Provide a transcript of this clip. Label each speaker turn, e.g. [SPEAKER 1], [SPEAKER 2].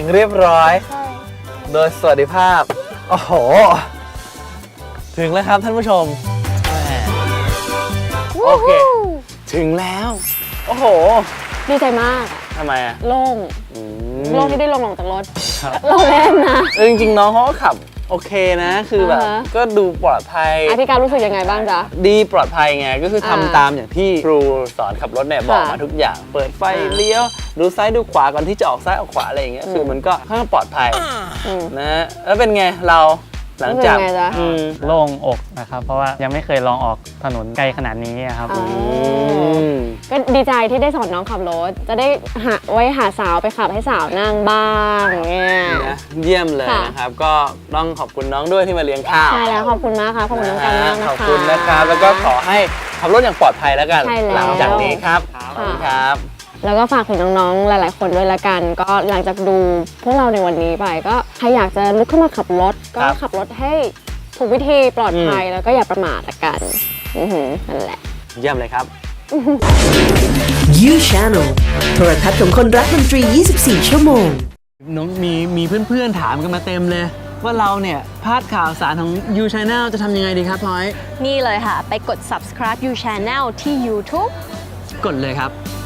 [SPEAKER 1] เรียบร้อยโดยสวัสดิภาพโอ้โหถึงแล้วครับท่านผู้ชมโอเคถึงแล้วโอ้โห
[SPEAKER 2] ดีใจมาก
[SPEAKER 1] ทำไมอ่ะ
[SPEAKER 2] โล่งที่ได้ลงจากรถเราเล่นนะ
[SPEAKER 1] จริงๆน้องเขาก็ขับโอเคนะคือแบบก็ดูปลอดภัย
[SPEAKER 2] พี่การรู้สึกยังไงบ้างจ๊ะ
[SPEAKER 1] ดีปลอดภัยไงก็คือทำตามอย่างที่ครูสอนขับรถเนี่ยบอกมาทุกอย่างเปิดไฟเลี้ยวดูซ้ายดูขวาก่อนที่จะออกซ้ายออกขวาอะไรอย่างเงี้ยคือมันก็ค่อนข้างปลอดภัยนะแล้วเป็นไงเราหลังจาก
[SPEAKER 3] โล่งอกนะครับเพราะว่ายังไม่เคยลองออกถนนไกลขนาดนี้ครับ
[SPEAKER 2] ก็ดีใจที่ได้สอนน้องขับรถจะได้หาสาวไปขับให้สาวนั่งบ้างเนี่ย
[SPEAKER 1] เยี่ยมเลยนะครับก็ต้องขอบคุณน้องด้วยที่มาเลี้ยงข้าว
[SPEAKER 2] ใช่แล้วขอบคุณมากค่ะขอบคุณน้องกันมากนะคะ
[SPEAKER 1] ขอบคุณนะครับแล้วก็ขอให้ขับรถอย่างปลอดภัยแล้วกันหลังจากนี้ครับขอบคุณครับ
[SPEAKER 2] แล้วก็ฝากถึงน้องๆหลายๆคนด้วยละกันก็หลังจากดูพวกเราในวันนี้ไปก็ใครอยากจะลุกขึ้นมาขับรถก็ขับรถให้ถูกวิธีปลอดภัยแล้วก็อย่าประมาทละกันนั่นแหละ
[SPEAKER 1] เยี่ยมเลยครับ
[SPEAKER 4] You Channel โทรทัศน์ของคนรักดนตรี 24 ชั่วโมง
[SPEAKER 1] น้องมีเพื่อนๆถามกันมาเต็มเลยว่าเราเนี่ยพลาดข่าวสารของ You Channel จะทำยังไงดีครับพลอย
[SPEAKER 5] นี่เลยค่ะไปกด subscribe You Channel ที่ YouTube
[SPEAKER 1] กดเลยครับ